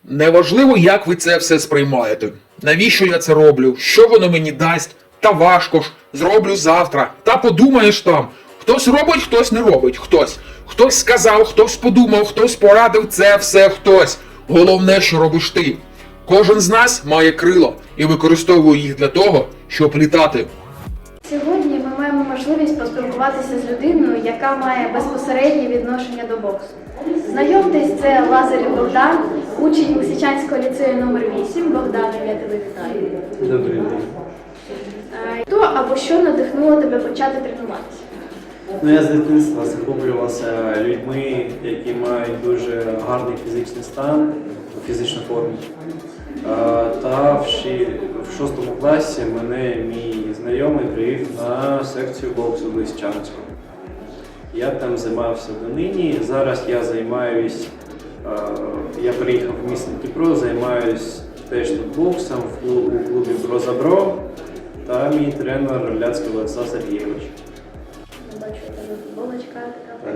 Неважливо, як ви це все сприймаєте. Навіщо я це роблю? Що воно мені дасть? Та важко ж, зроблю завтра. Та подумаєш там. Хтось робить, хтось не робить. Хтось сказав, хтось подумав, хтось порадив, це все хтось. Головне, що робиш ти. Кожен з нас має крила і використовує їх для того, щоб літати. Сьогодні ми маємо можливість поспілкуватися з людиною, яка має безпосереднє відношення до боксу. Знайомтесь, це Лазарів Богдан, учень Лисичанського ліцею номер 8. Богдан, я тебе вітаю. Добрий день. Хто або що надихнуло тебе почати тренуватися? Я з дитинства захоплювався людьми, які мають дуже гарний фізичний стан, фізичну форму. Та в 6 класі мене мій знайомий привів на секцію боксу в Лисичанську. Я там займався донині. Зараз я займаюсь, я приїхав в місто Дніпро, займаюсь теж тут боксом у клубі «Прозабро», та мій тренер Ляцький Олександр Сергійович. Бачу, тебе футболочка така.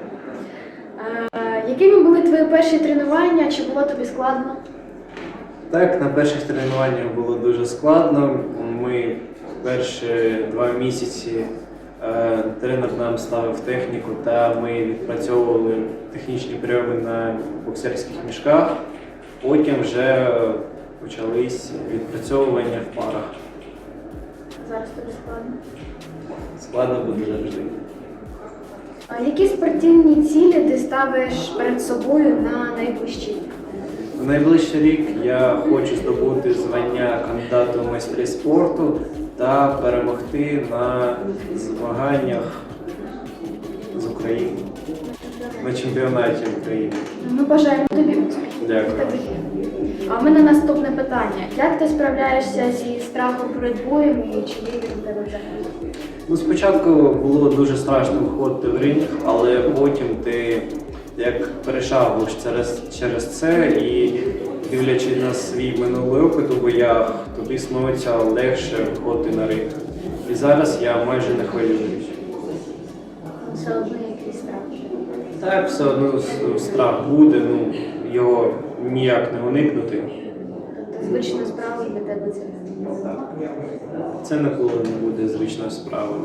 Якими були твої перші тренування? Чи було тобі складно? Так, на перших тренуваннях було дуже складно. Ми перші 2 місяці тренер нам ставив техніку, та ми відпрацьовували технічні прийоми на боксерських мішках. Потім вже почались відпрацьовування в парах. Зараз тобі складно. Складно буде завжди. Які спортивні цілі ти ставиш перед собою на найближчий рік? В найближчий рік я хочу здобути звання кандидата в майстри спорту та перемогти на змаганнях з України, на чемпіонаті України. Ми бажаємо тобі успіхів. Дякую. А в мене наступне питання. Як ти справляєшся зі страхом перед боєм і чи є він у тебе взагалі? Спочатку було дуже страшно виходити в ринг, але потім ти як перешагуєш через це і дивлячись на свій минулий опит у боях, тобі становиться легше виходити на ринг. І зараз я майже не хвилююсь. Все одно якийсь страх. Так, все одно страх буде, його ніяк не уникнути. Тобто звична справа для тебе це не буде. Так. Це ніколи не буде звичною справою.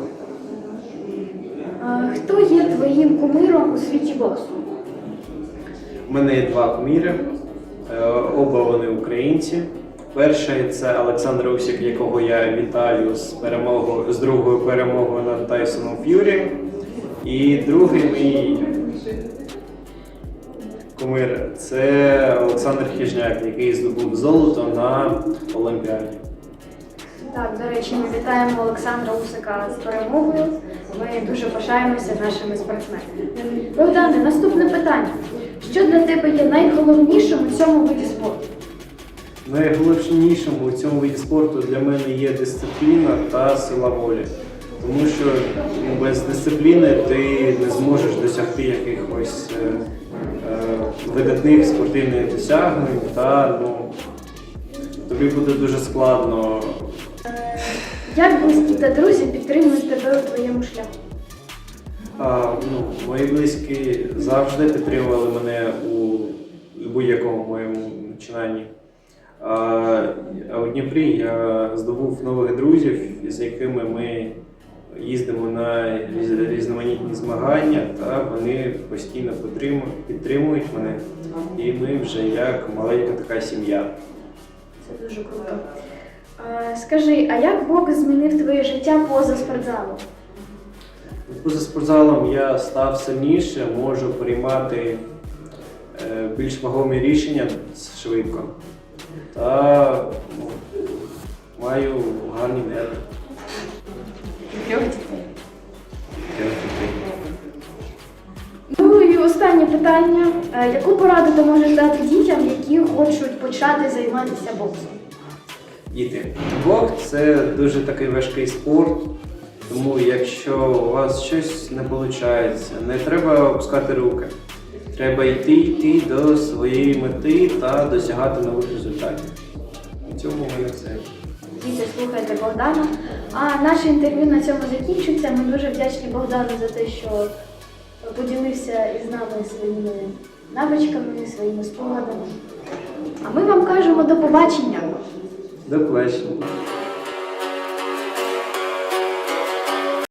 Хто є твоїм кумиром у світі боксу? У мене є 2 куміри, оба вони українці. Перший – це Олександр Усик, якого я вітаю з другою перемогою над Тайсоном Ф'юрі. І другий мій кумир – це Олександр Хижняк, який здобув золото на Олімпіаді. Так, до речі, ми вітаємо Олександра Усика з перемогою. Ми дуже пишаємося нашими спортсменами. Богдане, наступне питання. Що для тебе є найголовнішим у цьому виді спорту? Найголовнішим у цьому виді спорту для мене є дисципліна та сила волі. Тому що без дисципліни ти не зможеш досягти якихось видатних спортивних досягнень, та тобі буде дуже складно. Як близькі та друзі підтримують тебе у твоєму шляху? Мої близькі завжди підтримували мене у будь-якому моєму починанні. А у Дніпрі я здобув нових друзів, з якими ми їздимо на різноманітні змагання, та вони постійно підтримують мене. І ми вже як маленька така сім'я. Це дуже круто. Скажи, а як бокс змінив твоє життя поза спортзалом? Поза спортзалом я став сильніше, можу приймати більш вагомі рішення швидко та маю гарні нерви. Ну і останнє питання. Яку пораду ти можеш дати дітям, які хочуть почати займатися боксом? Діти, бокс – це дуже такий важкий спорт, тому якщо у вас щось не виходить, не треба опускати руки. Треба йти до своєї мети та досягати нових результатів. У цьому в мене все. Діти, слухайте Богдана. А наше інтерв'ю на цьому закінчується. Ми дуже вдячні Богдану за те, що поділився із нами своїми навичками, своїми спогадами. А ми вам кажемо до побачення. До побачення.